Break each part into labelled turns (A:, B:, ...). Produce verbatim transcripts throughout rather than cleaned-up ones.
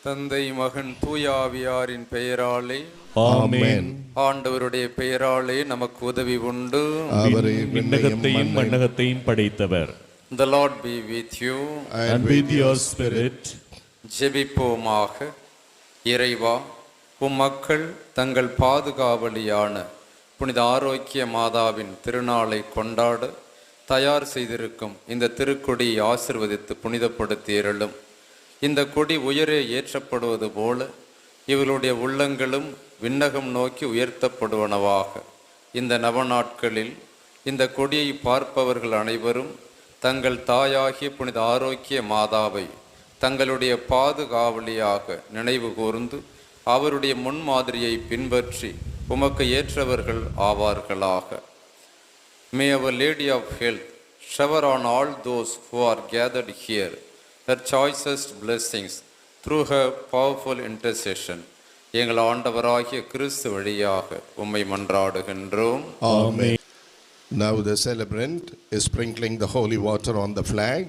A: தந்தை மகன் தூயாவியாரின் பெயராலே
B: ஆமென்.
A: ஆண்டவருடைய பெயராலே நமக்கு உதவி உண்டு.
B: அவரே விண்ணகத்தையும் மண்ணகத்தையும் படைத்தவர்.
A: The Lord be with you.
B: And with your spirit.
A: ஜெபிப்போமாக. இறைவா, உம் மக்கள் தங்கள் பாதுகாவலியான புனித ஆரோக்கிய மாதாவின் திருநாளை கொண்டாட தயார் செய்திருக்கும் இந்த திருக்கொடியை ஆசிர்வதித்து புனிதப்படுத்தி அருளும். இந்த கொடி உயரே ஏற்றப்படுவது போல இவர்களுடைய உள்ளங்களும் விண்ணகம் நோக்கி உயர்த்தப்படுவனவாக. இந்த நவநாட்களில் இந்த கொடியை பார்ப்பவர்கள் அனைவரும் தங்கள் தாயாகிய புனித ஆரோக்கிய மாதாவை தங்களுடைய பாதுகாவலியாக நினைவு கூர்ந்து அவருடைய முன்மாதிரியை பின்பற்றி உமக்கு ஏற்றவர்கள் ஆவார்களாக. May our Lady of Health shower on all those who are gathered here her choicest blessings through her powerful intercession. எங்கள் ஆண்டவராகிய கிறிஸ்து வழியாக உம்மை மன்றாடுகின்றோம்.
B: ஆமென்.
C: Now the celebrant is sprinkling the holy water on the flag.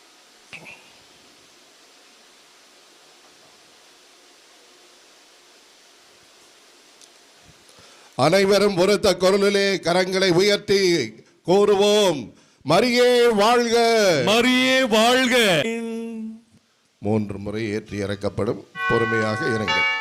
C: அனைவரும் ஒருத்த குரலிலே கரங்களை உயர்த்தி கூறுவோம், மரியே வாழ்க,
B: மரியே வாழ்க.
C: மூன்று முறை ஏற்றி இறக்கப்படும். பொறுமையாக இறங்க.